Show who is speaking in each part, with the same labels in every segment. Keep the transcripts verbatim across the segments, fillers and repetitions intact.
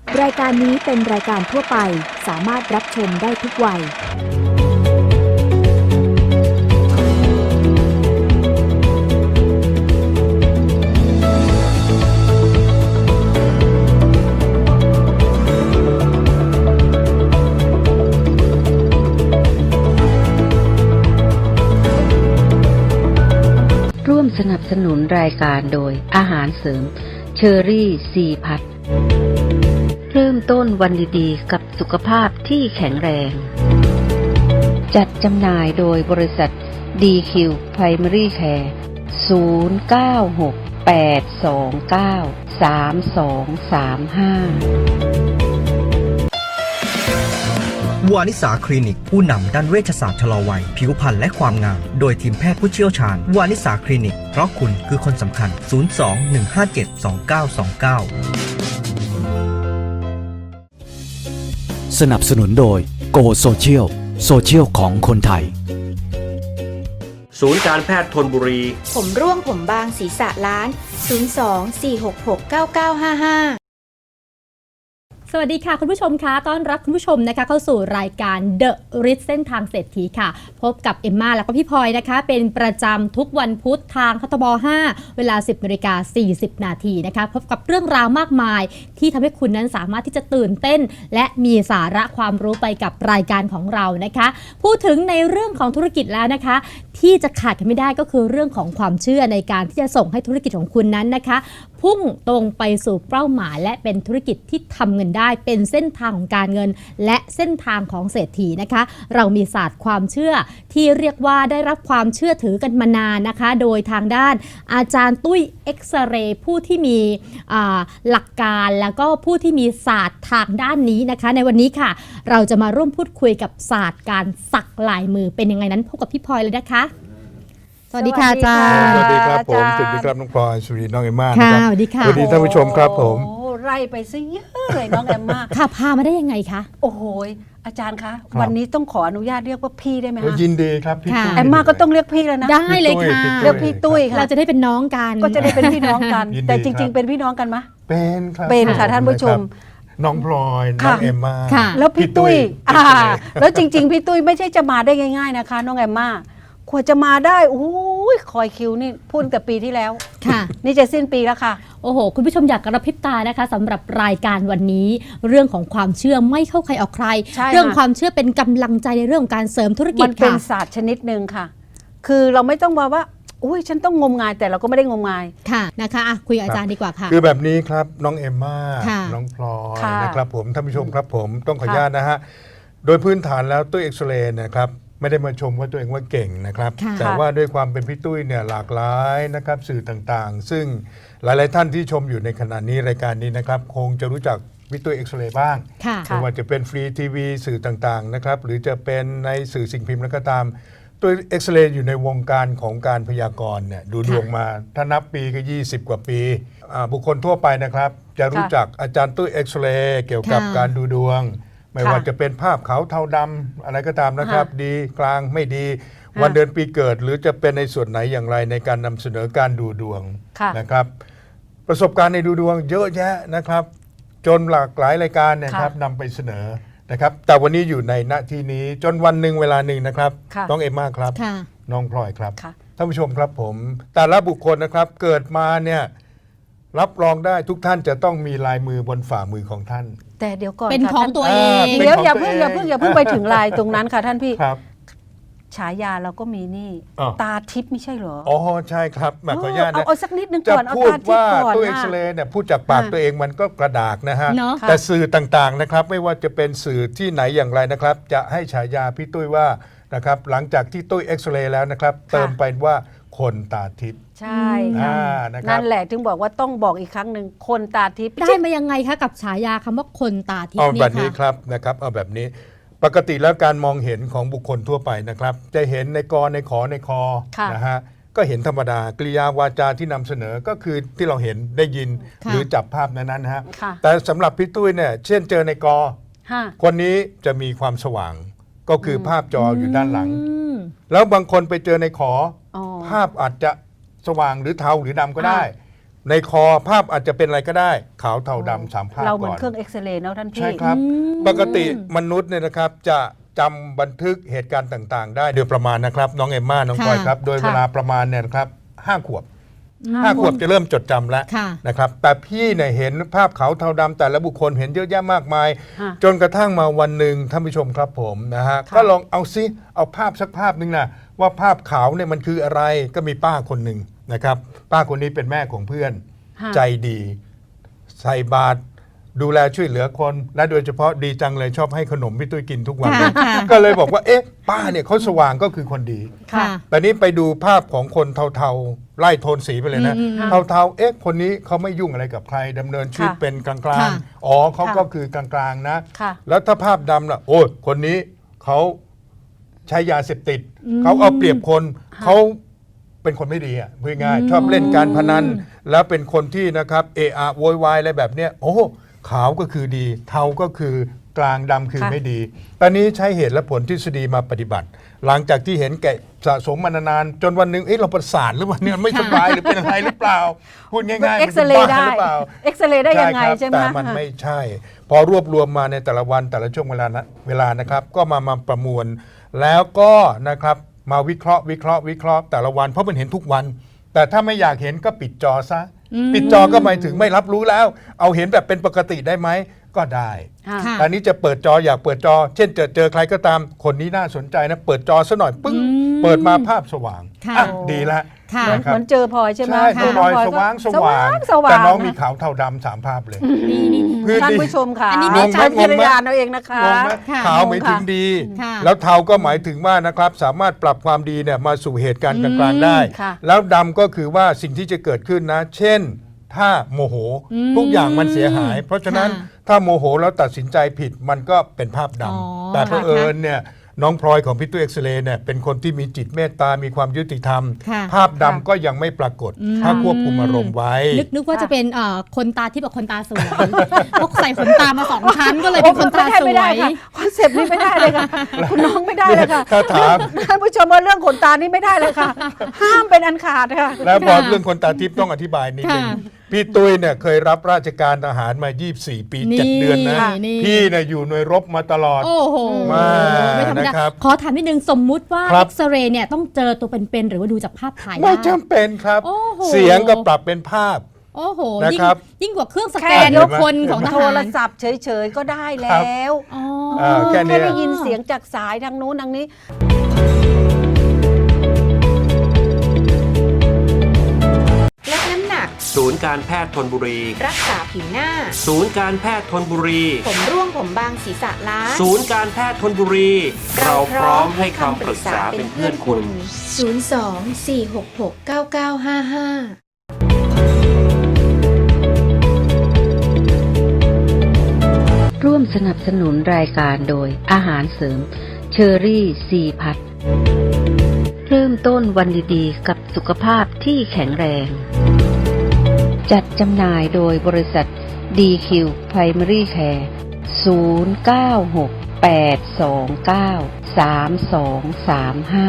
Speaker 1: รายการนี้เป็นรายการทั่วไปสามารถรับชมได้ทุกวัย
Speaker 2: ร่วมสนับสนุนรายการโดยอาหารเสริมเชอรี่ซีพัทเริ่มต้นวันดีๆกับสุขภาพที่แข็งแรงจัดจำหน่ายโดยบริษัท ดี คิว Primary Care ศูนย์ เก้า หก แปด สอง เก้า สาม สอง สาม ห้าวานิสาคลินิกผู้นำด้านเวชศาสตร์ชะลอวัยผิวพรรณและความงามโดยทีมแพทย์ผู้เชี่ยวชาญวานิสาคลินิกเพราะคุณคือคนสำคัญศูนย์ สอง หนึ่ง ห้า เจ็ด สอง เก้า สอง เก้า
Speaker 3: สนับสนุนโดย Go Social โซเชียลของคนไทย
Speaker 4: ศูนย์การแพทย์ธนบุรี
Speaker 5: ผมร่วงผมบางศีรษะล้านศูนย์ สอง สี่ หก หก เก้า เก้า ห้า ห้า
Speaker 6: สวัสดีค่ะคุณผู้ชมคะต้อนรับคุณผู้ชมนะคะเข้าสู่รายการ The Rich เส้นทางเศรษฐีค่ะพบกับเอมมาแล้วก็พี่พลอยนะคะเป็นประจำทุกวันพุธทางคทบห้าเวลา สิบนาฬิกาสี่สิบนาทีนะคะพบกับเรื่องราวมากมายที่ทำให้คุณนั้นสามารถที่จะตื่นเต้นและมีสาระความรู้ไปกับรายการของเรานะคะพูดถึงในเรื่องของธุรกิจแล้วนะคะที่จะขาดกันไม่ได้ก็คือเรื่องของความเชื่อในการที่จะส่งให้ธุรกิจของคุณนั้นนะคะพุ่งตรงไปสู่เป้าหมายและเป็นธุรกิจที่ทำเงินได้เป็นเส้นทางของการเงินและเส้นทางของเศรษฐีนะคะเรามีศาสตร์ความเชื่อที่เรียกว่าได้รับความเชื่อถือกันมานานนะคะโดยทางด้านอาจารย์ตุ้ยเอ็กซเรย์ผู้ที่มีหลักการแล้วก็ผู้ที่มีศาสตร์ทางด้านนี้นะคะในวันนี้ค่ะเราจะมาร่วมพูดคุยกับศาสตร์การสักลายมือเป็นยังไงนั้นพบกับพี่พลอยเลยนะคะสวัสดีค่ะอาจารย์
Speaker 7: สวัสดีครับผมสวัสดีครับน้องพลอยสวัสดีน้องเอมม่า
Speaker 6: ค่ะ
Speaker 7: นะครับ
Speaker 6: สวัสดีค่ะ
Speaker 7: สวัสดีท่านผู้ชมครับผม
Speaker 8: โอ้ไล่ไปซะเยอะเลยน้องเอมม่า
Speaker 6: ค่ะพามาได้ยังไงคะ
Speaker 8: โอ้โหอาจารย์คะวันนี้ต้องขออนุญาตเรียกว่าพี่ได้ไหมคะ
Speaker 7: ยินดีครับพี่ตุ้ย
Speaker 8: เอมม่าก็ต้องเรียกพี่แล้วนะ
Speaker 6: ได้เลยค่ะ
Speaker 8: เรียกพี่ตุ้ยค่ะ
Speaker 6: เราจะได้เป็นน้องกัน
Speaker 8: ก็จะได้เป็นพี่น้องกันแต่จริงๆเป็นพี่น้องกันไหม
Speaker 7: เป็นครับ
Speaker 8: เป็นค่ะท่านผู้ชม
Speaker 7: น้องพลอยน้องเอมม่า
Speaker 8: แล้วพี่ตุ้ยแล้วจริงๆพี่ตุ้ยไม่ใช่จะมาได้ง่ายๆนะคะน้องเอมม่ากว่าจะมาได้โอ้ยคอยคิวนี่พูดแต่ปีที่แล้ว
Speaker 6: ค่ะ
Speaker 8: นี่จะสิ้นปีแล้วค่ะ
Speaker 6: โอ้โหคุณผู้ชมอยากกระพริบตานะคะสำหรับรายการวันนี้เรื่องของความเชื่อไม่เข้าใครออกใครเรื่องความเชื่อเป็นกำลังใจในเรื่องของการเสริมธุรกิจ
Speaker 8: มันเป็นศาสตร์ชนิดหนึ่งค่ะคือเราไม่ต้องมาว่าอุ้ยฉันต้องงมงายแต่เราก็ไม่ได้งมงาย
Speaker 6: ค่ะนะคะอ่ะคุยกับอาจารย์ดีกว่าค่ะ
Speaker 7: คือแบบนี้ครับน้องเอมม่าน้องพลอยนะครับผมท่านผู้ชมครับผมต้องขออนุญาตนะฮะโดยพื้นฐานแล้วตุ้ยเอ็กซเรย์นะครับไม่ได้มาชมว่าตัวเองว่าเก่งนะครับแต่ว่าด้วยความเป็นพี่ตุ้ยเนี่ยหลากหลายนะครับสื่อต่างๆซึ่งหลายๆท่านที่ชมอยู่ในขณะนี้รายการนี้นะครับคงจะรู้จักพี่ตุ้ยเอ็กซเรย์บ้างไม่ว่าจะเป็นฟรีทีวีสื่อต่างๆนะครับหรือจะเป็นในสื่อสิ่งพิมพ์แล้วก็ตามตุ้ยเอ็กซเรย์อยู่ในวงการของการพยากรณ์เนี่ยดูดวงมาถ้านับปีก็ยี่สิบกว่าปีบุคคลทั่วไปนะครับจะรู้จักอาจารย์ตุ้ยเอ็กซเรย์เกี่ยวกับการดูดวงไม่ว่าจะเป็นภาพขาวเทาดำอะไรก็ตามนะครับดีกลางไม่ดีวันเดือนปีเกิดหรือจะเป็นในส่วนไหนอย่างไรในการนำเสนอการดูดวงนะครับประสบการณ์ในดูดวงเยอะแยะนะครับจนหลากหลายรายการนะครับนำไปเสนอนะครับแต่วันนี้อยู่ในณที่นี้จนวันหนึ่งเวลาหนึ่งนะครับน้องเอมม่าครับน้องพลอยครับท่านผู้ชมครับผมแต่ละบุคคลนะครับเกิดมาเนี่ยรับรองได้ทุกท่านจะต้องมีลายมือบนฝ่ามือของท่าน
Speaker 8: แต่เดี๋ยวก่อน
Speaker 6: เป็นของตัวเอง
Speaker 8: เดี๋ยวอย่าเพิ่งอย่าเพิ่งอย่าเพิ่งไปถึงลายตรงนั้นค่ะท่านพี่ฉายาเราก็มีนี่ตาทิพย์ไม่ใช่เหรอ
Speaker 7: อ๋อใช่ครับขออนุญาตนะ
Speaker 8: เอาสักนิดนึงก่อน
Speaker 7: จะพูดว่าตัวเอ็กซเรย์เนี่ยพูดจากปากตัวเองมันก็กระดากนะฮะแต่สื่อต่างๆนะครับไม่ว่าจะเป็นสื่อที่ไหนอย่างไรนะครับจะให้ฉายาพี่ตุ้ยว่านะครับหลังจากที่ตุ้ยเอ็กซเรย์แล้วนะครับเติมไปว่าคนตาทิพย์
Speaker 8: ใช่ค่ะนั่นแหละถึงบอกว่าต้องบอกอีกครั้งหนึ่งคนตาทิพย์
Speaker 6: ได้มายังไงคะกับฉายาคำว่าคนตาทิพย์
Speaker 7: เอาแบบนี้ครับนะครับเอาแบบนี้ปกติแล้วการมองเห็นของบุคคลทั่วไปนะครับจะเห็นในกอในขอในคอนะฮะก็เห็นธรรมดากริยาวาจาที่นำเสนอก็คือที่เราเห็นได้ยินหรือจับภาพนั้นนะฮะแต่สำหรับพี่ตุ้ยเนี่ยเช่นเจอในกอคนนี้จะมีความสว่างก็คือภาพจออยู่ด้านหลังแล้วบางคนไปเจอในขอภาพอาจจะสว่างหรือเทาหรือดำก็ได้ในคอภาพอาจจะเป็นอะไรก็ได้ขาวเทาดำสามภาพ
Speaker 8: เราเหมือน
Speaker 7: ก่อน
Speaker 8: เครื่องเอ็กซเรย์เนาะท่านพี่
Speaker 7: ใช่ครับ ปกติมนุษย์เนี่ยนะครับจะจำบันทึกเหตุการณ์ต่างๆ ได้โดยประมาณนะครับน้องเอมม่าน้อง
Speaker 6: ค่ะ
Speaker 7: พลอยครับโดย
Speaker 8: ค่ะ
Speaker 7: เวลาประมาณเนี่ยนะครับห้าขวบห้าขวบจะเริ่มจดจำแล้ว
Speaker 6: ค่ะ
Speaker 7: นะครับแต่พี่เนี่ยเห็นภาพขาวเทาดำแต่ละบุคคลเห็นเยอะแยะมากมาย
Speaker 8: ค่ะ
Speaker 7: จนกระทั่งมาวันหนึ่งท่านผู้ชมครับผมนะฮะ
Speaker 8: ค่ะ
Speaker 7: ก็ลองเอาซิเอาภาพสักภาพหนึ่งนะว่าภาพขาวเนี่ยมันคืออะไรก็มีป้าคนหนึ่งนะครับป้าคนนี้เป็นแม่ของเพื่อน
Speaker 8: ค่ะ
Speaker 7: ใจดีใส่บาตรดูแลช่วยเหลือคนและโดยเฉพาะดีจังเลยชอบให้ขนมพี่ตุ้ยกินทุกวัน
Speaker 6: ค่ะ
Speaker 7: เลย
Speaker 6: ค่ะ
Speaker 7: ก็เลยบอกว่าเอ๊ะป้าเนี่ยเขาสว่างก็คือคนดี
Speaker 6: ค่ะ
Speaker 7: แต่นี้ไปดูภาพของคนเทาๆไล่โทนสีไปเลยนะ
Speaker 6: อืม
Speaker 7: เทาๆเอ๊ะคนนี้เขาไม่ยุ่งอะไรกับใครดำเนินชีวิต
Speaker 8: ค่ะ
Speaker 7: เป็นกลาง
Speaker 6: ค่ะ
Speaker 7: ๆอ๋อเขา
Speaker 8: ค่ะ
Speaker 7: ก็คือกลางๆนะ
Speaker 8: ค่ะ
Speaker 7: แล้วถ้าภาพดำล่ะโอ้ยคนนี้เขาใช้ยาเสพติดเขาเอาเปรียบคนเขาเป็นคนไม่ดีอ่ะพูดง่ายๆชอบเล่นการพนัน แล้วเป็นคนที่นะครับเอะอะโวยวายอะไรแบบเนี้ยโอ้ขาวก็คือดี เทาก็คือกลางดำคือ
Speaker 8: ค่ะ
Speaker 7: ไม่ดี ตอนนี้ใช้เหตุและผลทฤษฎีมาปฏิบัติ หลังจากที่เห็นแก่สะสมมานานๆจนวันหนึ่งเอ๊ะเราประสาทหรือเปล่าเนี่ยไม่สบายหรือเป็นอะไรหรือเปล่า พูดง่ายๆ
Speaker 8: เอ็กซเรย์ได้
Speaker 7: มันเป็นบ้าหรือเปล่า
Speaker 8: เอ็กซเรย์ได้ยังไง
Speaker 7: ครับ
Speaker 8: ใช่ไหม
Speaker 7: แต่
Speaker 8: คะ
Speaker 7: มันไม่ใช่ พอรวบรวมมาในแต่ละวันแต่ละช่วงเวลานะเวลานะครับก็มามาประมวล แล้วก็นะครับมาวิเคราะห์วิเคราะห์วิเคราะห์แต่ละวันเพราะมันเห็นทุกวัน แต่ถ้าไม่อยากเห็นก็ปิดจอซะ ปิดจอก็หมายถึงไม่รับรู้แล้ว เอาเห็นแบบเป็นปกติได้ไหมก็ได้
Speaker 8: ค่ะ
Speaker 6: ค่ะ
Speaker 7: อันนี้จะเปิดจออยากเปิดจอ เช่นเจอเจอใครก็ตามคนนี้น่าสนใจนะเปิดจอซะหน่อยปึ้ง
Speaker 6: อืม
Speaker 7: เปิดมาภาพสว่าง
Speaker 6: ค่ะ
Speaker 7: อ่ะดีละ
Speaker 6: ค่ะ
Speaker 8: เหมือน
Speaker 7: นะครั
Speaker 8: เห
Speaker 7: บ
Speaker 8: มือนเจอพลอยใช่ไหม
Speaker 7: ใช่
Speaker 8: ค่ะ
Speaker 7: น้องพลอย
Speaker 8: น้
Speaker 7: ส
Speaker 8: ก็
Speaker 7: ว่างส
Speaker 8: ส
Speaker 7: ว่า
Speaker 8: ว่าง งสว่าง
Speaker 7: แต่น้องมี
Speaker 8: ะ
Speaker 7: ขาวเทาดำสามภาพเลย
Speaker 6: นี่นี่
Speaker 7: คือ
Speaker 8: ท่าน
Speaker 7: ดี
Speaker 8: ผู้ชมค่ะ
Speaker 6: อันนี้
Speaker 8: มี
Speaker 7: งงไหม
Speaker 8: ใช้พิจาร
Speaker 7: งงไหม
Speaker 8: ณาเอาเองนะคะ
Speaker 7: งงไหม
Speaker 6: ค่ะ
Speaker 7: ขาวหมายถึงดี
Speaker 6: ค่ะ
Speaker 7: แล้วเทาก็หมายถึงว่านะครับสามารถปรับความดีเนี่ยมาสู่เหตุการณ์กลางๆได้
Speaker 8: ค่ะ
Speaker 7: แล้วดำก็คือว่าสิ่งที่จะเกิดขึ้นนะ เช่น ถ้าโมโห
Speaker 6: อืม
Speaker 7: ทุกอย่างมันเสียหาย เพราะฉะนั้น
Speaker 6: ค่ะ
Speaker 7: ถ้าโมโหแล้วตัดสินใจผิดมันก็เป็นภาพด
Speaker 6: อ๋อ
Speaker 7: ำแต่เผอิญเนี่ยน้องพลอยของพี่ตุ้ยเอ็กซเรย์เนี่ยเป็นคนที่มีจิตเมตตา มีความยุติธรรม
Speaker 6: ค่ะ
Speaker 7: ภาพดำก็ยังไม่ปรากฏ
Speaker 6: อืม
Speaker 7: ถ้าควบคุมอารมณ์ไว้
Speaker 6: นึกนึกว่าจะเป็นเอ่อคนตาที่แบบคนตาสวยเพราะใส่ขนตามาสองชั้นก็เลยเป็นคนตาส
Speaker 8: ไม่
Speaker 6: ว
Speaker 8: ได้
Speaker 6: ย
Speaker 8: ค่ะคอนเซปต์นี้ไม่ได้เลยค่ะ คุณน้องไม่ได้เลยค่ะ
Speaker 7: ถ้าถาม
Speaker 8: ท่านผู้ชมว่าเรื่องขนตานี่ไม่ได้เลยค่ะ ห้ามเป็นอันขาดค่ะ
Speaker 7: แล้วพอเรื่องคนตาทิพย์ต้องอธิบายนิดนึง
Speaker 6: ค่ะ
Speaker 7: พี่ตุ้ยเนี่ยเคยรับราชการทหารมา ยี่สิบสี่ ปี
Speaker 6: นี่
Speaker 7: เจ็ด เดือนนะ
Speaker 6: นี่
Speaker 7: พี่เนี่ยอยู่หน่วยรบมาตลอด
Speaker 6: โอ้โห
Speaker 7: มา
Speaker 6: ไม่ธรรมดา
Speaker 7: นะครับ
Speaker 6: ขอถามนิดนึงสมมุติว่า
Speaker 7: ครั
Speaker 6: เอ็
Speaker 7: บ
Speaker 6: กซเรย์เนี่ยต้องเจอตัวเป็นๆหรือว่าดูจากภาพถ่าย
Speaker 7: ไม่
Speaker 6: ได้
Speaker 7: จำเป็นครับ
Speaker 6: โอ้โห
Speaker 7: เสียงก็ปรับเป็นภาพ
Speaker 6: โอ้โห
Speaker 7: นะ
Speaker 6: ยิ่ง
Speaker 7: ครับ
Speaker 6: ยิ่งกว่าเครื่องสแก
Speaker 8: แค่
Speaker 6: น
Speaker 8: ยก
Speaker 6: คนของท
Speaker 8: โท
Speaker 6: หาร
Speaker 8: รศัพท์เฉยๆก็ได้แล้ว
Speaker 6: อ๋อ
Speaker 7: เออแค่นี้
Speaker 8: แค่ได้ยินเสียงจากสายทางนู้นทางนี้
Speaker 5: ลดน้ำหนัก
Speaker 4: ศูนย์การแพทย์ธนบุรี
Speaker 5: รักษาผิวหน้า
Speaker 4: ศูนย์การแพทย์ธนบุรี
Speaker 5: ผมร่วงผมบางศีรษะล้าน
Speaker 4: ศูนย์การแพทย์ธนบุรี เราพร้อมให้คำปรึกษาเป็นเพื่อนคุณ
Speaker 5: ศูนย์ สอง สี่ หก หก เก้า เก้า ห้า ห้า
Speaker 2: ร่วมสนับสนุนรายการโดยอาหารเสริมเชอรี่ซีพัทเริ่มต้นวันดีๆกับสุขภาพที่แข็งแรง จัดจำหน่ายโดยบริษัท ดี คิว Primary Care ศูนย์ เก้า หก แปด สอง เก้า สาม สอง สาม ห้า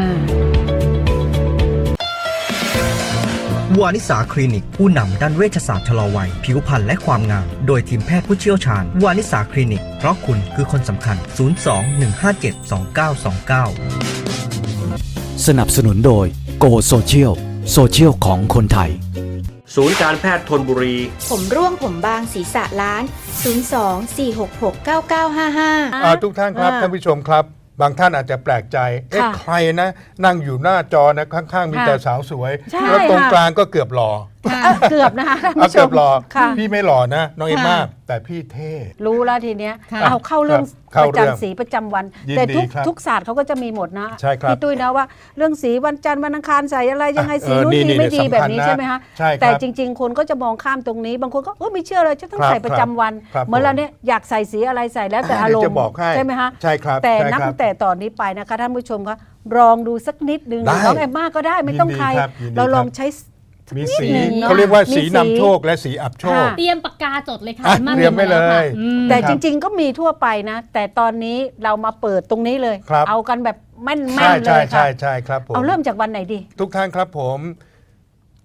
Speaker 9: วานิสาคลินิกผู้นำด้านเวชศาสตร์ชะลอวัยผิวพรรณและความงามโดยทีมแพทย์ผู้เชี่ยวชาญวานิสาคลินิกเพราะคุณคือคนสำคัญ ศูนย์ สอง หนึ่ง ห้า เจ็ด สอง เก้า สอง เก้า
Speaker 3: สนับสนุนโดยโกโซเชียลโซเชียลของคนไทย
Speaker 4: ศูนย์การแพทย์ธนบุรี
Speaker 5: ผมร่วงผมบางศีรษะล้าน ศูนย์ สอง สี่ หก หก เก้า เก้า ห้า ห้า
Speaker 7: อ่าทุกท่านครับ
Speaker 8: อ่า
Speaker 7: ท่านผู้ชมครับ บางท่านอาจจะแปลกใจ เอ๊ะ
Speaker 8: ค่ะ
Speaker 7: ใครนะ นั่งอยู่หน้าจอนะข้างๆ มี
Speaker 8: ค่ะ
Speaker 7: แต่สาวสวย
Speaker 8: ใช่
Speaker 7: แล้วตรง
Speaker 8: ค่ะ
Speaker 7: กลางก็เกือบหล่อ
Speaker 8: เอ่อเกือบนะคะท่าน
Speaker 7: เอา
Speaker 8: ผู้ช
Speaker 7: เกือ
Speaker 8: ม
Speaker 7: บหล่อ
Speaker 8: ค่ะ
Speaker 7: พี่ไม่หล่อนะ น้องเอ็มม่า
Speaker 6: ค่ะ
Speaker 7: แต่พี่เท่
Speaker 8: รู้แล้วทีเนี้ย
Speaker 6: ค่ะ
Speaker 8: เอาเข้าเรื่อง
Speaker 7: ครับ
Speaker 8: ประ
Speaker 7: เข้าเรื่อง
Speaker 8: จำสีประจำวัน
Speaker 7: ยิน
Speaker 8: แต่
Speaker 7: ดี
Speaker 8: ทุก
Speaker 7: ครับ
Speaker 8: ทุกศาสตร์เขาก็จะมีหมดนะ
Speaker 7: ใช่ครับ
Speaker 8: พี่ตุ้ยนะว่าเรื่องสีวันจันทร์วันอังคารใส่อะไรยังไงสี
Speaker 7: เออ
Speaker 8: นู้น
Speaker 7: นี่
Speaker 8: ดี
Speaker 7: นี่
Speaker 8: ไม่ดี
Speaker 7: สำคัญ
Speaker 8: แบบนี้
Speaker 7: นะ
Speaker 8: ใช่ไหมคะ
Speaker 7: ใช่ครับ
Speaker 8: แต่จริง ๆ คนก็จะมองข้ามตรงนี้ บางคนก็เออไม่เชื่อเลยจะต้อง
Speaker 7: ครับ
Speaker 8: ใส่ประจำวัน
Speaker 7: ครับ
Speaker 8: เหมือนเราเนี่ยอยากใส่สีอะไรใส่แล้วแต่อารม
Speaker 7: เดี๋ยว
Speaker 8: ณ์
Speaker 7: จะบอกให้
Speaker 8: ใช่ไหมคะ
Speaker 7: ใช่ครับ
Speaker 8: แต่
Speaker 7: ใช่
Speaker 8: นับ
Speaker 7: ครับ
Speaker 8: ตั้งแต่ตอนนี้ไปนะคะท่านผู้ชมคะลองดูสักนิดนึง
Speaker 7: ได้
Speaker 8: น้องแอมมาก็ได้ไม่ต้อง
Speaker 7: ยินดี
Speaker 8: ใคร
Speaker 7: ครับยินดี
Speaker 8: เราลอง
Speaker 7: ครับ
Speaker 8: ใช้
Speaker 7: มีสี
Speaker 8: นิดหนึ่งเนอะ
Speaker 7: เขาเรียกว่าสี
Speaker 8: มีสี
Speaker 7: นำโชคและสีอับโชค
Speaker 8: ค่ะ
Speaker 6: เตรียมปากกาจดเลยค่ะ
Speaker 7: อ่ะ
Speaker 6: า
Speaker 7: เตรียมไว้เลย
Speaker 6: อืม
Speaker 8: แต่
Speaker 7: ครั
Speaker 8: จ
Speaker 7: บ
Speaker 8: ริง ๆ ก็มีทั่วไปนะ แต่ตอนนี้เรามาเปิดตรงนี้เลย
Speaker 7: ครับ
Speaker 8: เอากันแบบแม่น
Speaker 7: ใช่
Speaker 8: ๆเล
Speaker 7: ใช่
Speaker 8: ย
Speaker 7: ใช่
Speaker 8: ค่ะ
Speaker 7: ใช่ครับผม
Speaker 8: เอาเริ่มจากวันไหนดี
Speaker 7: ทุกท่านครับผม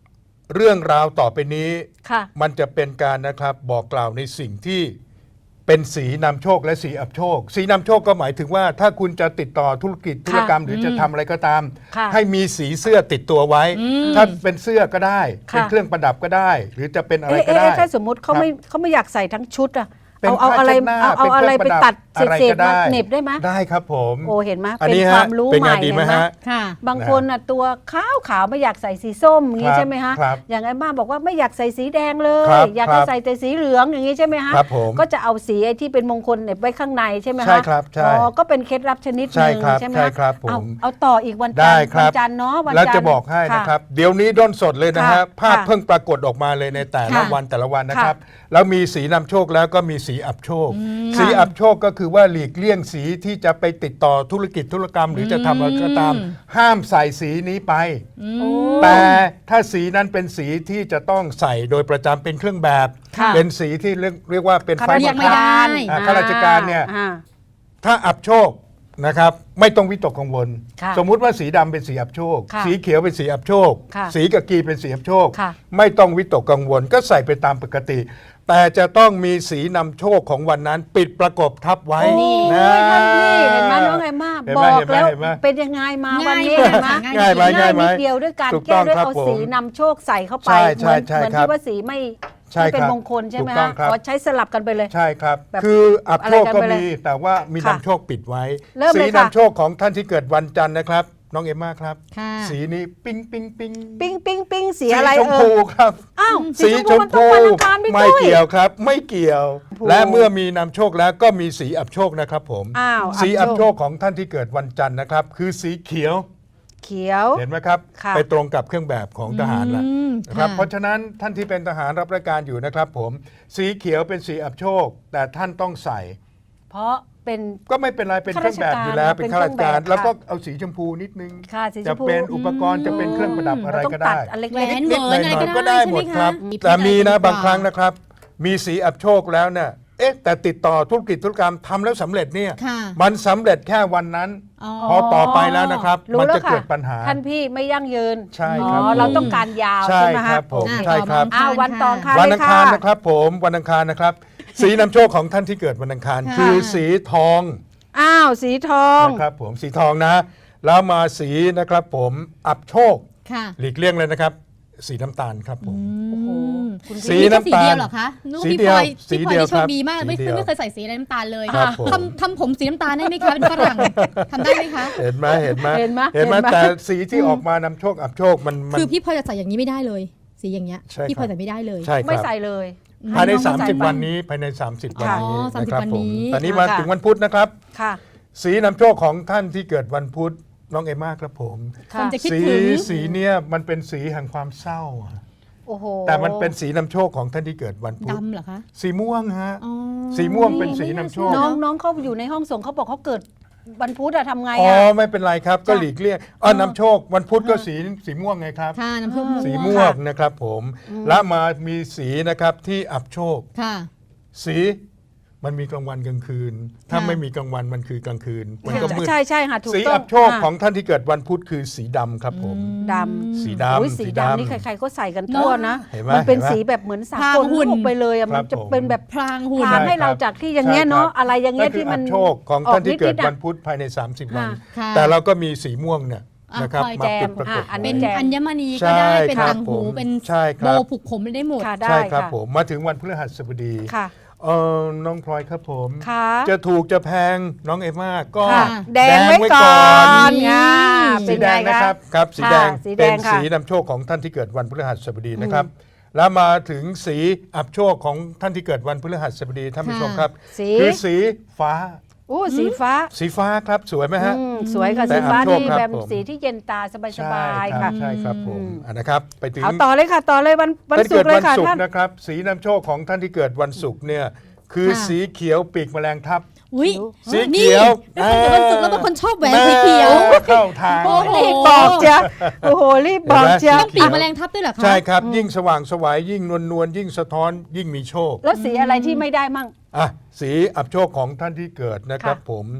Speaker 7: เรื่องราวต่อไปนี้
Speaker 8: ค่ะ
Speaker 7: มันจะเป็นการนะครับบอกกล่าวในสิ่งที่เป็นสีนำโชคและสีอับโชค สีนำโชคก็หมายถึงว่าถ้าคุณจะติดต่อธุรกิจธุรกรรมหรือจะทำอะไรก็ตาม
Speaker 8: ค่ะ
Speaker 7: ให้มีสีเสื้อติดตัวไว้ ถ้าเป็นเสื้อก็ได้
Speaker 8: ค่ะ
Speaker 7: เป็นเครื่องประดับก็ได้ หรือจะเป็นอะไร
Speaker 8: เอ๊ะ
Speaker 7: ก็ได้
Speaker 8: เอ๊ะถ้าสมมุติเขาไม่เขาไม่อยากใส่ทั้งชุดอะ
Speaker 7: เป็น
Speaker 8: เอาเอาอะไร
Speaker 7: ผ้าเช็ดหน้า
Speaker 8: เอาเอาอะไร
Speaker 7: เป็น
Speaker 8: ไป
Speaker 7: เครื่องประดับ
Speaker 8: ตัดเศ
Speaker 7: อะไร
Speaker 8: ษ
Speaker 7: ก็
Speaker 8: ๆ
Speaker 7: ได้
Speaker 8: มาเหน็บได้ไหม
Speaker 7: ได้ครับผม
Speaker 8: โอ้เห็นไหม
Speaker 7: อัน
Speaker 8: เป็น
Speaker 7: นี้
Speaker 8: ค
Speaker 7: ฮะ
Speaker 8: วามรู้
Speaker 7: เป็น
Speaker 8: ให
Speaker 7: ไง
Speaker 8: ม่
Speaker 7: ดีไหม
Speaker 8: เห็นไหม
Speaker 7: ฮะ
Speaker 6: ค่ะ
Speaker 8: บางคนน่ะตัวขาวขาวๆไม่อยากใส่สีส้มอย่างนี้
Speaker 7: ครับ
Speaker 8: ใช่ไหมฮะ
Speaker 7: ครับ
Speaker 8: อย่างไอ้บ้าบอกว่าไม่อยากใส่สีแดงเลย
Speaker 7: ครับ
Speaker 8: อยาก
Speaker 7: ครั
Speaker 8: จะ
Speaker 7: บ
Speaker 8: ใส่แต่สีเหลืองอย่างนี้ใช่ไหมฮะ
Speaker 7: ครับผม
Speaker 8: ก็จะเอาสีไอ้ที่เป็นมงคลเหน็บไว้ข้างในใช่ไหมฮะ
Speaker 7: ใช่ครับใช่
Speaker 8: อ๋อก็เป็นเคล็ดลับชนิดห
Speaker 7: ใช่
Speaker 8: นึ่ง
Speaker 7: ครับ
Speaker 8: ใช่ไหม
Speaker 7: ใช่
Speaker 8: ฮะ
Speaker 7: ครับผม
Speaker 8: เอาเอาต่ออีกวันจั
Speaker 7: ได้
Speaker 8: นทร์
Speaker 7: ครับ
Speaker 8: วันจันทร์เนาะวันจันทร์
Speaker 7: แล้วจะบอกให้นะครับ เดี๋ยวนี้ด้นสดเลยนะฮะ
Speaker 8: ค่ะ
Speaker 7: ภาพ
Speaker 8: ค่ะ
Speaker 7: เพิ่งปรากฏออกมาเลยในแต่ละ
Speaker 6: ค่ะ
Speaker 7: วันแต่ละวันนะครับ แล้วมีสีนำโชคแล้วก็มีสีอับโชค สี
Speaker 8: ค่ะ
Speaker 7: อับโชคก็คือว่าหลีกเลี่ยงสีที่จะไปติดต่อธุรกิจธุรกรรม หรือจะทำอะไรก็ตาม ห้ามใส่สีนี้ไป
Speaker 8: โอ้
Speaker 7: แต่ถ้าสีนั้นเป็นสีที่จะต้องใส่โดยประจำเป็นเครื่องแบบ
Speaker 8: ค่ะ
Speaker 7: เป็นสีที่เรียกเรียกว่าเป็น
Speaker 8: ข้า
Speaker 7: ไฟ
Speaker 8: ราช
Speaker 7: บัง
Speaker 6: ไม่
Speaker 7: คับ
Speaker 6: ได้
Speaker 7: อ่าข้าราชการเนี่ย
Speaker 8: อ่า
Speaker 7: ถ้าอับโชคนะครับไม่ต้องวิตกกังวล
Speaker 8: ค่ะ
Speaker 7: สมมุติว่าสีดำเป็นสีอับโชค
Speaker 8: ค่ะ
Speaker 7: สีเขียวเป็นสีอับโชค
Speaker 8: ค่ะ
Speaker 7: สีกะกีเป็นสีอับโชค
Speaker 8: ค่ะ
Speaker 7: ไม่ต้องวิตกกังวลก็ใส่ไปตามปกติ แต่จะต้องมีสีนำโชคของวันนั้นปิดประกบทับไว้
Speaker 8: โอ้ย
Speaker 7: นะ
Speaker 8: ท่านพี่เห็นไหมน้องไงมาก
Speaker 7: เห็น
Speaker 8: บ
Speaker 7: ไหม
Speaker 8: อกแล้ว
Speaker 7: เห็นไหม
Speaker 8: เป็นยังไงมาวันนี้
Speaker 6: ง่าย
Speaker 8: เห็นไหม
Speaker 6: ง่าย
Speaker 7: ไหมง่ายไหม
Speaker 8: นิดเดียวด้วยการ
Speaker 7: ถูก
Speaker 8: แก้
Speaker 7: ต้อง
Speaker 8: ด้วย
Speaker 7: ครับ
Speaker 8: เอา
Speaker 7: ผม
Speaker 8: สีนำโชคใส่เข้าไป
Speaker 7: ใช่
Speaker 8: เห
Speaker 7: ใช่
Speaker 8: มือน
Speaker 7: ใช่
Speaker 8: เหมือน
Speaker 7: ครับ
Speaker 8: ที่ว่าสีไม่
Speaker 7: ใช่
Speaker 8: ไม่เป็น
Speaker 7: ครับ
Speaker 8: มงคลใช่ไหม
Speaker 7: ถูกต้อ
Speaker 8: ฮะ
Speaker 7: งครับ
Speaker 8: อ๋อใช้สลับกันไปเลย
Speaker 7: ใช่ครับ
Speaker 8: แบบ
Speaker 7: คืออับโชคก็
Speaker 8: อะไรกันไปเลย
Speaker 7: มีแต่ว่ามี
Speaker 8: ค่ะ
Speaker 7: นำโชคปิดไว้
Speaker 8: เริ่ม
Speaker 7: สี
Speaker 8: เลยค่ะ
Speaker 7: นำโชคของท่านที่เกิดวันจันทร์นะครับ น้องเอมม่าครับ
Speaker 6: ค่ะ
Speaker 7: สีนี้ปิ้งปิ้งปิ้ง
Speaker 8: ปิ้งปิ้งปิ้งสีอะไร
Speaker 7: ชม
Speaker 8: เอ
Speaker 7: พู
Speaker 8: อ
Speaker 7: ครับ
Speaker 8: อ้าว
Speaker 7: สีชม
Speaker 8: มันต้อ
Speaker 7: พู
Speaker 8: งวันอังคารพี่
Speaker 7: ไม่
Speaker 8: ตุ้ย
Speaker 7: เกี่ยวครับ ไม่เกี่ยว
Speaker 8: ชมพู
Speaker 7: และเมื่อมีนำโชคแล้วก็มีสีอับโชคนะครับผม
Speaker 8: อ้าว
Speaker 7: สีอับโช
Speaker 8: ค
Speaker 7: คของท่านที่เกิดวันจันทร์นะครับ คือสีเขียว
Speaker 8: เขียว
Speaker 7: เห็นไหมครับ
Speaker 8: ค่ะ
Speaker 7: ไปตรงกับเครื่องแบบของทหารละ
Speaker 6: อืม
Speaker 7: นะครับ
Speaker 6: ค่ะ
Speaker 7: เพราะฉะนั้นท่านที่เป็นทหารรับราชการอยู่นะครับผมสีเขียวเป็นสีอับโชค แต่ท่านต้องใส่
Speaker 8: เพราะเป็น
Speaker 7: ก็ไม่เป็นไรเป็นเครื่องแบบอยู่แล้ว
Speaker 8: ข้าราชการ
Speaker 7: เป็นข้าราชการ
Speaker 8: เป็นเครื่องแบบ
Speaker 7: แล้วก็เอาสีชมพูนิดนึง
Speaker 8: ค่ะสีช
Speaker 7: จะ
Speaker 8: มพู
Speaker 7: เป็นอุปกรณ์จะเป็นเครื่องประดับอะไร
Speaker 8: เราต้อง
Speaker 7: ก็
Speaker 8: ตั
Speaker 7: ได้
Speaker 8: ดอันเล็ก
Speaker 6: แหวน
Speaker 8: ๆ
Speaker 6: เหมือนอะไร
Speaker 7: ๆ
Speaker 6: ก็ได้
Speaker 7: หมดครับ
Speaker 6: ใช่ไหมคะ
Speaker 7: แต่มีนะ
Speaker 6: เพชร
Speaker 7: บางครั้งนะครับ มีสีอับโชคแล้วเนี่ยเอ๊ะแต่ติดต่อธุรกิจธุรกรรมทำแล้วสำเร็จเนี่ย
Speaker 6: ค่ะ
Speaker 7: มันสำเร็จแค่วันนั้น
Speaker 6: อ๋อ
Speaker 7: พอต่อไปแล้วนะครับ
Speaker 8: รู้
Speaker 7: มัน
Speaker 8: แล้ว
Speaker 7: จะ
Speaker 8: ค่ะ
Speaker 7: เกิดปัญหา
Speaker 8: ท่านพี่ไม่ยั่งยืน
Speaker 7: ใช่ครับ
Speaker 8: อ๋อ
Speaker 7: ผม
Speaker 8: เราต้องการยาว
Speaker 7: ใช่
Speaker 8: ใช่ไหม
Speaker 7: ค
Speaker 8: ฮะ
Speaker 7: รับผม
Speaker 6: อ่ะ
Speaker 7: ใช่ครับ
Speaker 6: ขอ
Speaker 8: อ้าววันต่อค่ะ
Speaker 7: วัน
Speaker 8: เล
Speaker 7: อั
Speaker 8: ย
Speaker 7: ง
Speaker 8: ค่ะ
Speaker 7: คารนะครับผมวันอังคารนะครับ สีนำโชคของท่านที่เกิดวันอังคาร
Speaker 6: ค่ะ
Speaker 7: คือสีทอง
Speaker 8: อ้าวสีทอง
Speaker 7: นะครับผมสีทองนะ แล้วมาสีนะครับผมอับโชค
Speaker 6: ค่ะ
Speaker 7: หลีกเลี่ยงเลยนะครับ สีน้ำตาลครับผม
Speaker 8: โอ้โห
Speaker 6: คุณ
Speaker 7: สี
Speaker 6: พี่
Speaker 7: น้ำตาล
Speaker 6: สีเดียวเหรอคะนึกว่า
Speaker 7: สี
Speaker 6: พี่
Speaker 7: เดี
Speaker 6: พ
Speaker 7: ยว
Speaker 6: ลอย
Speaker 7: สี
Speaker 6: พี่พลอย
Speaker 7: เดียว
Speaker 6: นี่โช
Speaker 7: ครั
Speaker 6: ค
Speaker 7: บ
Speaker 6: ดีมากไม่
Speaker 7: สีเดียว
Speaker 6: ไม่เคยใส่สีอะไรน้ำตาลเลย
Speaker 7: ครับผม
Speaker 6: ทำทำผมสีน้ำตาลได้ไหมคะเป็นฝรั่งทำได้ไหมคะ
Speaker 7: เห็นไหมเห็นไหม
Speaker 8: เห็นไหม
Speaker 7: เห็นไหม
Speaker 8: เห็นไหม
Speaker 7: แต่สีที่ออกมานำโชคอับโชคมันมัน
Speaker 6: คือพี่พลอยจะใส่อย่างนี้ไม่ได้เลย สีอย่างเงี้ย
Speaker 7: ใช่ครับ
Speaker 6: พี่พลอยใส่ไม่ได้เลย
Speaker 7: ใช่ค
Speaker 8: ไม่
Speaker 7: รับ
Speaker 8: ใส่เลย
Speaker 7: ภายใน
Speaker 8: ให้น้อง
Speaker 7: 30
Speaker 8: ใไป
Speaker 7: วันนี้ภายใน 30 วัน
Speaker 8: ค่ะ
Speaker 7: นี้
Speaker 6: อ๋อสามสิบ
Speaker 7: นะครับ
Speaker 6: วัน
Speaker 7: ผม
Speaker 6: นี้
Speaker 7: ตอนนี้มา
Speaker 8: ค่ะ
Speaker 7: ถึงวันพุธนะครับ
Speaker 8: ค่ะ
Speaker 7: สีนำโชคของท่านที่เกิดวันพุธน้องเอมม่าครับผม
Speaker 6: คนจะคิด
Speaker 7: สี
Speaker 6: ถึง
Speaker 7: สีเนี่ยมันเป็นสีแห่งความเศร้าอะ
Speaker 8: โอ้โห
Speaker 7: แต่มันเป็นสีนำโชคของท่านที่เกิดวันพุธ
Speaker 6: ดำเหรอคะ
Speaker 7: สีม่วงฮะ
Speaker 6: อ๋อ
Speaker 7: สีม่วงเป็นสีนำโชค
Speaker 8: น้องน้องเขาอยู่ในห้องส่งเขาบอกเขาเกิดวันพุธอะทำไง
Speaker 7: อ๋อ
Speaker 8: อะ
Speaker 7: ไม่เป็นไรครับก็หลีกเลี่ยงอ๋อนำโชควันพุธก็สีสีม่วงไงครับ
Speaker 6: ค่ะน้ำผึ้ง
Speaker 7: สีม่วงนะครับผมและมามีสีนะครับที่อับโชค
Speaker 6: ค่ะ
Speaker 7: สีมันมีกลางวันกลางคืน ถ้า
Speaker 6: ค่ะ
Speaker 7: ไม่มีกลางวันมันคือกลางคืน มันก็มืด
Speaker 8: ใช่ใช่ค่ะถูก
Speaker 7: สี
Speaker 8: ต้อง
Speaker 7: อับโชค
Speaker 8: ะ
Speaker 7: ของท่านที่เกิดวันพุธคือสีดำครับผม
Speaker 8: ด
Speaker 7: สี
Speaker 8: ำอุ๊ย
Speaker 7: ดำ
Speaker 8: สี
Speaker 7: สี
Speaker 8: ดำ
Speaker 7: ดำ
Speaker 8: นี่ใครๆก็ใส่กันทั่วนะ
Speaker 7: เห็นไหม
Speaker 8: มันเป็น
Speaker 7: เห็นไหม
Speaker 8: สีแบบเหมือนสา
Speaker 6: พราก ง
Speaker 8: ล
Speaker 6: หุ่น
Speaker 8: ออกไปเลยอะ
Speaker 7: ครั
Speaker 8: มัน
Speaker 7: บ
Speaker 8: จะ
Speaker 7: ผม
Speaker 8: เป็นแบบ
Speaker 6: พรางหุ่น
Speaker 8: พรางให้เราจากที่อย่างเงี้ยเนาะ
Speaker 7: ใช่ครับ
Speaker 8: อะไรอย่างเงี้ย
Speaker 7: นั่นคื
Speaker 8: ที่มัน
Speaker 7: อับโชคของท่านที่เกิดวัน
Speaker 8: ออ
Speaker 7: พุธภายใน 30 วัน
Speaker 6: ค่ะ
Speaker 7: แต่เราก็มีสีม่วงเนี่ย
Speaker 6: อ่ะ
Speaker 7: นะครับ
Speaker 6: คอย
Speaker 7: มา
Speaker 8: แจ
Speaker 7: ปิ
Speaker 8: ม
Speaker 7: ดประกบ
Speaker 8: อ่ะอันนี้
Speaker 6: เป็น
Speaker 8: แจม
Speaker 6: อัญมณีก็ได้
Speaker 7: ใช่
Speaker 6: เป็น
Speaker 7: ครับ
Speaker 6: ต่างหู
Speaker 7: ผม
Speaker 6: เป็น
Speaker 7: ใช่ค
Speaker 6: โบ
Speaker 7: รับ
Speaker 6: ผูกผมได้หมด
Speaker 8: ค่ะได้
Speaker 7: ใช่ครับ
Speaker 8: ค่ะ
Speaker 7: ผมมาถึงวันพฤหัสบดี
Speaker 8: ค่ะ
Speaker 7: เออน้องพลอยครับผม
Speaker 8: ค่ะ
Speaker 7: จะถูกจะแพงน้องเอมม่าก็
Speaker 8: ค่ะ แดงไว้ก่อน
Speaker 6: นี่
Speaker 8: อ่า
Speaker 7: สี
Speaker 8: เป็น
Speaker 7: แด
Speaker 8: ไง
Speaker 7: งนะครับ
Speaker 8: คะ
Speaker 7: ครับสี
Speaker 8: ค่ะ
Speaker 7: แดง
Speaker 8: สีแด
Speaker 7: เป็น
Speaker 8: งค่ะ
Speaker 7: สีนำโชคของท่านที่เกิดวันพฤหัสบดีนะครับ แล้วมาถึงสีอับโชคของท่านที่เกิดวันพฤหัสบดีท่านผู้ชมครับ
Speaker 8: สี
Speaker 7: คือสีฟ้า
Speaker 8: โอ้สีฟ้า
Speaker 7: สีฟ้าครับสวยไหมฮะ
Speaker 8: อืมสวยค่ะ
Speaker 7: แต่
Speaker 8: สีฟ้า
Speaker 7: อับโชค
Speaker 8: นี่
Speaker 7: ครับ
Speaker 8: แบบ
Speaker 7: ผม
Speaker 8: สีที่เย็นตาสบาย
Speaker 7: ใช่
Speaker 8: ๆ
Speaker 7: ครั
Speaker 8: ค่ะ
Speaker 7: บใช่ครับผม
Speaker 8: อืม
Speaker 7: อ่ะนะครับไปถึง
Speaker 8: เอาต่อเลยค่ะต่อเลยวันวัน
Speaker 7: ท่าน
Speaker 8: ศุ
Speaker 7: เกิ
Speaker 8: ก
Speaker 7: ด
Speaker 8: ร์เล
Speaker 7: วั
Speaker 8: ยค่ะ
Speaker 7: ศุก
Speaker 8: ท่าน
Speaker 7: ร์นะครับสีนำโชคของท่านที่เกิดวันศุกร์เนี่ยคือ
Speaker 6: ค่ะ
Speaker 7: สีเขียวปีกแมลงทับ
Speaker 6: อุ้ย
Speaker 7: สีเขียว
Speaker 6: นี่เป็นคนเกิดวันศุกร์แล้วเป็นคนชอบแหวนสีเขียว
Speaker 7: แม่เข้าทาง
Speaker 6: โอ้โห
Speaker 8: รีบบอกเจ้าโอ้โหรีบบอกเจ้า
Speaker 6: ต้องปีกแมลงทับด้วยเหรอคะ
Speaker 7: ใช่ครับ ยิ่งสว่างไสวายยิ่งนวลนวลยิ่งสะท้อนยิ่งมีโชค
Speaker 8: แล้วสีอะไรที่ไม่ได้มั่ง
Speaker 7: อ่ะสีอับโชคของท่านที่เกิดนะครับ
Speaker 8: ค่ะ
Speaker 7: ผม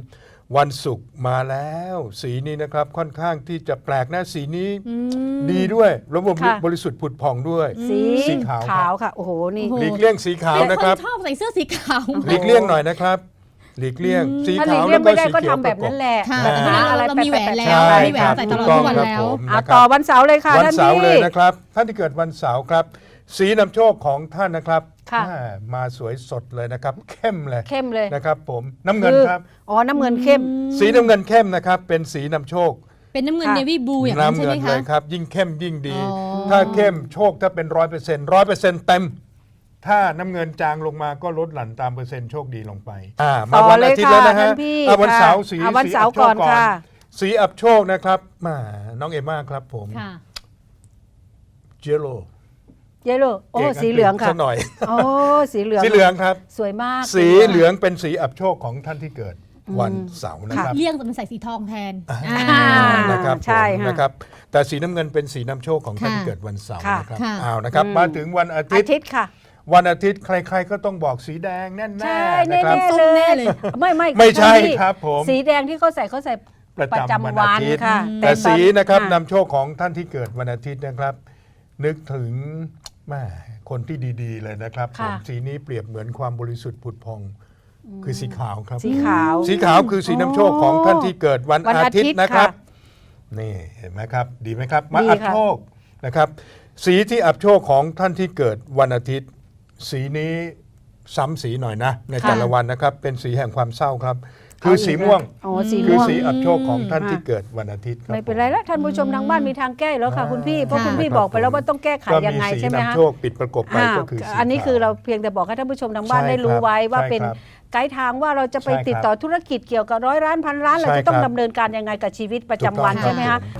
Speaker 7: วันศุกร์มาแล้ว สีนี้นะครับค่อนข้างที่จะแปลกนะสีนี้
Speaker 6: อืม
Speaker 7: ดีด้วยระบบ
Speaker 8: ค่ะ
Speaker 7: บริสุทธิ์ผุดผ่องด้วย
Speaker 8: สี
Speaker 7: สีขาวครับ
Speaker 8: ขาวค่ะ โอ้โห นี่
Speaker 6: โอ้โห
Speaker 7: หลีกเลี่ยงสีขาว
Speaker 6: เป็น
Speaker 7: นะ
Speaker 6: ค
Speaker 7: ครับ
Speaker 6: นชอบใส่เสื้อสีขาว
Speaker 7: หลีกเลี่ยงหน่อยนะครับหลีกเลี่ยงสี
Speaker 8: ถ้าหลี
Speaker 7: ขาก ว
Speaker 8: เลี่
Speaker 7: แล้
Speaker 8: ยว ง
Speaker 7: ก็
Speaker 8: ไม่ได้
Speaker 7: สี
Speaker 8: ก็
Speaker 7: เขียว
Speaker 8: ทำแบบนั้นแหละ
Speaker 6: ค่ะ
Speaker 8: แบบ
Speaker 6: แต่
Speaker 8: หา
Speaker 6: เรา
Speaker 8: อะไร
Speaker 6: เรา
Speaker 8: แปะ
Speaker 6: มีแหวน
Speaker 8: ๆๆ
Speaker 6: แล้ว
Speaker 7: ใช่
Speaker 6: มีแหวน
Speaker 7: ครับ
Speaker 6: ใส่ตลอด
Speaker 7: ถูก
Speaker 6: ทุกวัน
Speaker 7: ต้อง
Speaker 6: แล้ว
Speaker 7: ครับผม
Speaker 8: อ่ะ
Speaker 7: นะครับ
Speaker 8: ต่อวันเสาร์เลยค่ะ
Speaker 7: วัน
Speaker 8: ท่าน
Speaker 7: เสาร์
Speaker 8: พี่
Speaker 7: เลยนะครับท่านที่เกิดวันเสาร์ครับ สีนำโชคของท่านนะครับ
Speaker 8: ค่ะ
Speaker 7: อ่ามาสวยสดเลยนะครับ เข้มเลย
Speaker 8: เข้มเลย
Speaker 7: นะครับผมน้ำเงิน
Speaker 8: คือ
Speaker 7: ครับ
Speaker 8: อ๋อ น้ำเงินเข้ม
Speaker 7: สีน้ำเงินเข้มนะครับเป็นสีนำโชค
Speaker 6: เป็นน้ำเงิน
Speaker 8: ค่ะ
Speaker 6: เนวี่บลูอย่างนั้น
Speaker 7: น้ำ
Speaker 6: ใช่
Speaker 7: เงิ
Speaker 6: ไหม
Speaker 7: น
Speaker 6: คะ
Speaker 7: เลยครับยิ่งเข้มยิ่งดี
Speaker 6: อ๋อ
Speaker 7: ถ้าเข้มโชคถ้าเป็นร้อยเปอร์เซ็นต์ร้อยเปอร์เซ็นต์เต็มถ้าน้ำเงินจางลงมาก็ลดหลั่นตามเปอร์เซ็นต์โชคดีลงไปอ่ามา
Speaker 8: ต่อ
Speaker 7: วัน
Speaker 8: เล
Speaker 7: อาย ทิตย์
Speaker 8: ค่ะ
Speaker 7: แล้วนะฮะ
Speaker 8: ท่านพี่
Speaker 7: อ่ะวัน
Speaker 8: ค่ะ
Speaker 7: เสาร์สี
Speaker 8: อ่ะวัน
Speaker 7: สี
Speaker 8: เสาร์
Speaker 7: อับโช
Speaker 8: ก่อ
Speaker 7: คน ก่อน
Speaker 8: ค่ะ
Speaker 7: สีอับโชคนะครับมาน้องเอมม่าครับผม
Speaker 6: ค่ะ
Speaker 7: เจโล
Speaker 8: เยลโล่โอ้ สีเหลืองค่ะ
Speaker 7: สักหน่อย
Speaker 8: โอ้ สีเหลือง
Speaker 7: สีเหลืองครับ
Speaker 8: สวยมาก
Speaker 7: สีเหลืองเป็นสีอับโชคของท่านที่เกิดวันเสาร์นะครับ
Speaker 6: เลี่ยงจะเป็นใส่สีทองแทน
Speaker 7: อ่า
Speaker 6: อ่า
Speaker 7: นะครับ
Speaker 8: ใช่
Speaker 7: ผม
Speaker 8: ค่ะ
Speaker 7: นะครับแต่สีน้ำเงินเป็นสีนำโชคของท่าน
Speaker 6: ค่ะ
Speaker 7: ที่เกิดวันเสาร์
Speaker 8: ค่ะ
Speaker 7: นะครับ
Speaker 6: ค่ะ
Speaker 7: เอานะครับ
Speaker 8: อืม
Speaker 7: มาถึงวันอาทิ
Speaker 8: อา
Speaker 7: ตย์
Speaker 8: ทิตย์ค่ะ
Speaker 7: วันอาทิตย์ใครๆก็ต้องบอกสีแดงแน่
Speaker 8: ใช่
Speaker 7: ๆ
Speaker 8: แน่
Speaker 7: นะครับ
Speaker 8: ๆ
Speaker 6: ส้มแน่เลย
Speaker 8: ไม่ไม่
Speaker 7: ไม่ใช่
Speaker 8: ท่านพี่
Speaker 7: ครับผม
Speaker 8: สีแดงที่เขาใส่เขาใส่
Speaker 7: ประ
Speaker 8: ประ
Speaker 7: จำ
Speaker 8: จำ
Speaker 7: วัน
Speaker 8: วั
Speaker 7: อาน ทิตย์
Speaker 8: ค่ะ
Speaker 7: แต่
Speaker 8: ตอน
Speaker 7: สีนะครับ
Speaker 8: อ่
Speaker 7: นำโชคของท่านที่เกิดวันอาทิตย์นะครับ นึกถึงแม่คนที่ดีๆ เลยนะครับผม
Speaker 8: ค่ะ
Speaker 7: สีนี้เปรียบเหมือนความบริสุทธิ์ผุดพอง คือสีขาวครับ
Speaker 8: สีขาว
Speaker 7: สีขาวคือสีนำโชคของท่านที่เกิดวัน
Speaker 8: วัน
Speaker 7: อา
Speaker 8: อาทิ
Speaker 7: ทิต
Speaker 8: ตย์
Speaker 7: ย์นะครับ
Speaker 8: ค่ะ
Speaker 7: นี่เห็นไหมครับ ดีไหมครับ มา
Speaker 8: ดี
Speaker 7: อับ
Speaker 8: ค่ะ
Speaker 7: โชคนะครับ สีที่อับโชคของท่านที่เกิดวันอาทิตย์ สีนี้ซ้ำสีหน่อยนะ ในแต่ละวันนะครับ เป็นสีแห่งความเศร้าครับ คือสีม่วง
Speaker 8: อ๋อสี
Speaker 7: คือ
Speaker 8: ม่วง
Speaker 7: สีอับโชคของท่าน
Speaker 8: อืม
Speaker 7: ที่เกิดวันอาทิตย์ครับ
Speaker 8: ไม่เป็นไรแล้วท่านผู้ชมทางบ้านมีทางแก้อยู่แล้วค่ะ
Speaker 7: อ่า
Speaker 8: คุณพี่เพราะ
Speaker 6: ค่ะ
Speaker 8: คุณพี่บอกไปแล้วว่าต้องแก้ไข
Speaker 7: ก็
Speaker 8: ยัง
Speaker 7: มี
Speaker 8: ไง
Speaker 7: สี
Speaker 8: ใช่ไหม
Speaker 7: นำ
Speaker 8: คะ
Speaker 7: โชคปิดประกบไป
Speaker 8: อ่า
Speaker 7: ก็คือสี
Speaker 8: อันนี้
Speaker 7: ขาว
Speaker 8: คือเราเพียงแต่บอกให้ท่านผู้ชมทางบ้าน
Speaker 7: ใช่
Speaker 8: ได้รู้
Speaker 7: ครับ
Speaker 8: ไว้ว่า
Speaker 7: ใช่
Speaker 8: เป็น
Speaker 7: ครับ
Speaker 8: ไกด์ทางว่าเราจะไป
Speaker 7: ใช่ครับ
Speaker 8: ติดต่อธุรกิจเกี่ยวกับร้อยล้านพันล้านเรา
Speaker 7: ใช่
Speaker 8: จะต้อง
Speaker 7: ครับ
Speaker 8: ดำเนินการยังไงกับชีวิตประจำวัน
Speaker 7: ถูกต้อง
Speaker 8: ใช่ไหม
Speaker 7: ครั
Speaker 8: คะ
Speaker 7: บผม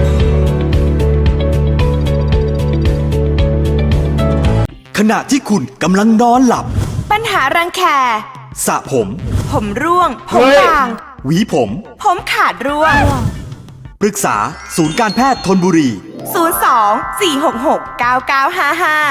Speaker 10: ขณะที่คุณกำลังนอนหลับ
Speaker 11: ปัญหารังแค
Speaker 10: สระผม
Speaker 11: ผมร่วง ผม
Speaker 7: เฮ้ย
Speaker 11: บาง
Speaker 10: หวีผม
Speaker 11: ผมขาดร่วง
Speaker 10: ปรึกษาศูนย์การแพทย์ธนบุรี
Speaker 11: ศูนย์ สอง สี่ หก หก เก้า เก้า ห้า ห้า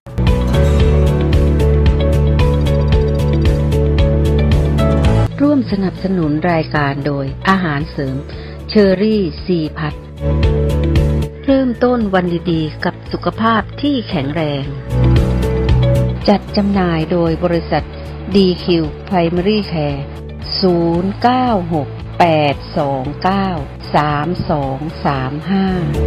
Speaker 2: ร่วมสนับสนุนรายการโดยอาหารเสริมเชอรี่ซีพัทเริ่มต้นวันดีๆกับสุขภาพที่แข็งแรง จัดจำหน่ายโดยบริษัท ดี คิว Primary Care ศูนย์ เก้า หก แปด สอง เก้า สาม สอง สาม ห้า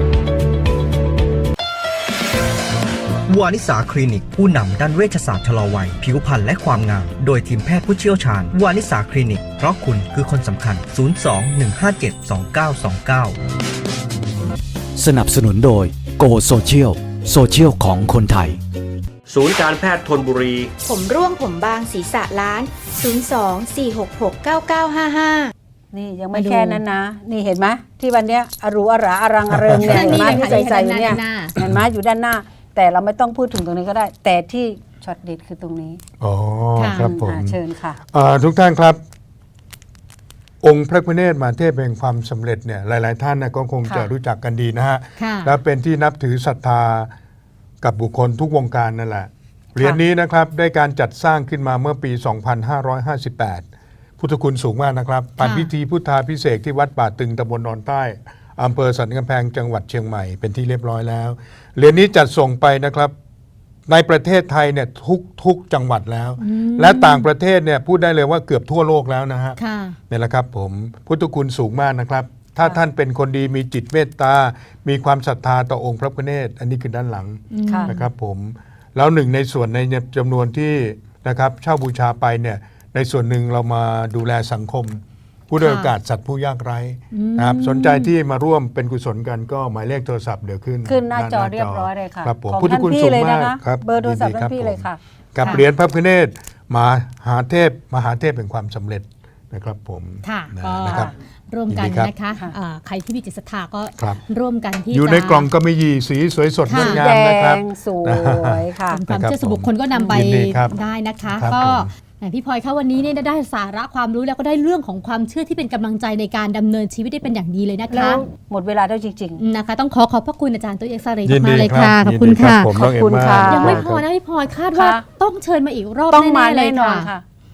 Speaker 9: วานิสาคลินิกผู้นำด้านเวชศาสตร์ชะลอวัย ผิวพรรณและความงาม โดยทีมแพทย์ผู้เชี่ยวชาญ วานิสาคลินิก เพราะคุณคือคนสำคัญ ศูนย์ สอง หนึ่ง ห้า เจ็ด สอง เก้า สอง เก้า
Speaker 3: สนับสนุนโดยโกโซเชียลโซเชียลของคนไทย
Speaker 4: ศูนย์การแพทย์ธนบุรี
Speaker 5: ผมร่วงผมบางศีรษะล้าน ศูนย์ สอง สี่ หก หก เก้า เก้า ห้า ห้า
Speaker 8: นี่ยังไม่
Speaker 6: มาดู
Speaker 8: แค่นั้นนะ นี่เห็นไหมที่วันเนี้ยอรูอราอรังอเริงเนี่ยเห็นไหม
Speaker 6: นี่
Speaker 8: ที่
Speaker 6: เลย
Speaker 8: ใส่
Speaker 6: ค่ะ
Speaker 8: ใส่อยู่เนี่ย
Speaker 6: ด้านหน้า
Speaker 8: เห็นไหมอยู่ด้านหน้า แต่เราไม่ต้องพูดถึงตรงนี้ก็ได้ แต่ที่ช็อตเด็ดคือตรงนี้
Speaker 7: อ๋อ
Speaker 6: ค่ะ
Speaker 7: ครับผม
Speaker 8: อ่าเชิญค่ะ
Speaker 7: อ่าทุกท่านครับ องค์พระพุทธเนตรมหาเทพแห่งความสำเร็จเนี่ยหลาย ๆ ท่านนะก็คงจะ
Speaker 8: ค่ะ
Speaker 7: รู้จักกันดีนะฮะ
Speaker 6: ค่ะ
Speaker 7: และเป็นที่นับถือศรัทธากับบุคคลทุกวงการนั่นแหละเหรียญนี้นะครับได้การจัดสร้างขึ้นมาเมื่อปี สองพันห้าร้อยห้าสิบแปด พุทธคุณสูงมากนะครับปันพิธีพุทธาพิเศษกที่วัดป่าตึงตำบลนอนใต้อำเภอสันกำแพงจังหวัดเชียงใหม่เป็นที่เรียบร้อยแล้วเหรียญนี้จัดส่งไปนะครับในประเทศไทยเนี่ยทุกทุกจังหวัดแล้ว และต่างประเทศเนี่ยพูดได้เลยว่าเกือบทั่วโลกแล้วนะฮะ
Speaker 6: ค่ะ
Speaker 7: นี่แหละครับผมพุทธคุณสูงมากนะครับ ถ้าท่านเป็นคนดีมีจิตเมตตา มีความศรัทธาต่อองค์พระพุทธเนตรอันนี้คือด้านหลัง
Speaker 8: ค่ะ
Speaker 7: นะครับผมแล้วหนึ่งในส่วนในจำนวนที่นะครับเช่าบูชาไปเนี่ยในส่วนหนึ่งเรามาดูแลสังคม ผู้ด้อยโอกาสสัตว์ผู้ยากไร้นะครับสนใจที่มาร่วมเป็นกุศลกันก็หมายเลขโทรศัพท์เดี๋ยวขึ้น
Speaker 8: ขึ้นหน้าจอเรียบร้อยเลยค่ะ
Speaker 7: ครับผม
Speaker 8: ของ
Speaker 7: พุทธ
Speaker 8: ท่าน
Speaker 7: คุณ
Speaker 8: พี่
Speaker 7: สูง
Speaker 8: เลย
Speaker 7: มา
Speaker 8: นะ
Speaker 7: ก
Speaker 8: คะ
Speaker 7: ครับ
Speaker 8: เบอร์โทรศัพท์
Speaker 7: ยิดี
Speaker 8: ท่านพี่
Speaker 7: ผม
Speaker 8: เลยค่ะ
Speaker 7: กับ
Speaker 6: ค่ะ
Speaker 7: เหรียญพระพุทธเนตรมหาเทพมหาเทพแห่งความสำเร็จนะครับผม
Speaker 6: ค่ะ
Speaker 7: นะ
Speaker 6: ก็
Speaker 7: นะครับ
Speaker 6: ร่วมกัน
Speaker 7: ยินดีครับ
Speaker 6: นะคะอ่าใครที่มีจิตศรัทธาก็
Speaker 7: ครับ
Speaker 6: ร่วมกันที่
Speaker 7: อยู่
Speaker 6: จะ
Speaker 7: ในกล่องก็มียีสีสวยสดง
Speaker 6: ค่ะ
Speaker 7: ดงา
Speaker 8: แด
Speaker 7: มนะครับ
Speaker 8: งสวยค่ะ
Speaker 6: เป็นความ
Speaker 7: นะครับ
Speaker 6: เชื่อส่วนบุคคลก็นำไป
Speaker 7: ยินดีครับ
Speaker 6: ได้นะคะ
Speaker 7: ครับ
Speaker 6: ก็
Speaker 7: ผม
Speaker 6: แหมพี่พลอยคะวันนี้เนี่ยได้สาระความรู้แล้วก็ได้เรื่องของความเชื่อที่เป็นกำลังใจในการดำเนินชีวิตได้เป็นอย่างดีเลยนะ
Speaker 8: แล้
Speaker 6: คะ
Speaker 8: วหมดเวลาแล้วจริง
Speaker 6: นะคะ ต้องขอขอบพระคุณอาจารย์ตัวเอกซาเรย์
Speaker 7: ยิน
Speaker 6: มา
Speaker 7: ดี
Speaker 6: กๆเลย
Speaker 7: ครั
Speaker 6: ค่ะ
Speaker 7: บ
Speaker 6: ขอบคุณ
Speaker 7: ยินดีรับ
Speaker 6: ค่ะ
Speaker 7: ผมน้องเอ็ม
Speaker 8: ขอบคุณ
Speaker 7: มา
Speaker 8: ค่ะ
Speaker 7: ก
Speaker 6: ยังไม่พอ
Speaker 7: ครับ
Speaker 6: นะพี่พลอยคาดว่า
Speaker 8: ค่ะ
Speaker 6: ต้องเชิญมาอีกรอบ
Speaker 8: ๆ ต้องมา
Speaker 6: แน่ๆเลย
Speaker 8: แน่นอน
Speaker 6: ค่ะ
Speaker 8: ค่ะ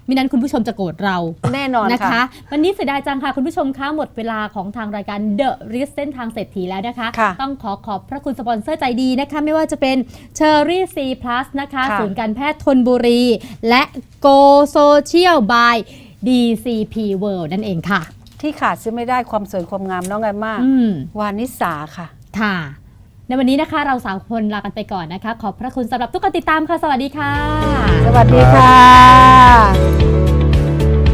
Speaker 6: มินั้นคุณผู้ชมจะโกรธเรา
Speaker 8: แน่นอน
Speaker 6: นะคะ
Speaker 8: ค่ะ
Speaker 6: วันนี้เสียดายจังค่ะคุณผู้ชมคะหมดเวลาของทางรายการ The Risk เส้นทางเศรษฐีแล้วนะคะ
Speaker 8: ค่ะ
Speaker 6: ต้องขอขอบพระคุณสปอนเซอร์ใจดีนะคะ ไม่ว่าจะเป็น Cherry C Plus นะคะ
Speaker 8: ค่ะ
Speaker 6: ศูนย์การแพทย์ธนบุรี และ Go Social by ดี ซี พี World นั่นเองค่ะ
Speaker 8: ที่ขาดซื้อไม่ได้ความสวยความงามน้องไงมาก
Speaker 6: อืม
Speaker 8: วานิสาค่ะ
Speaker 6: ค่ะ ในวันนี้นะคะเราสามคนลากันไปก่อนนะคะ ขอบพระคุณสำหรับทุกการติดตามค่ะ สวัสดีค่ะ
Speaker 8: สวัสดีค่ะ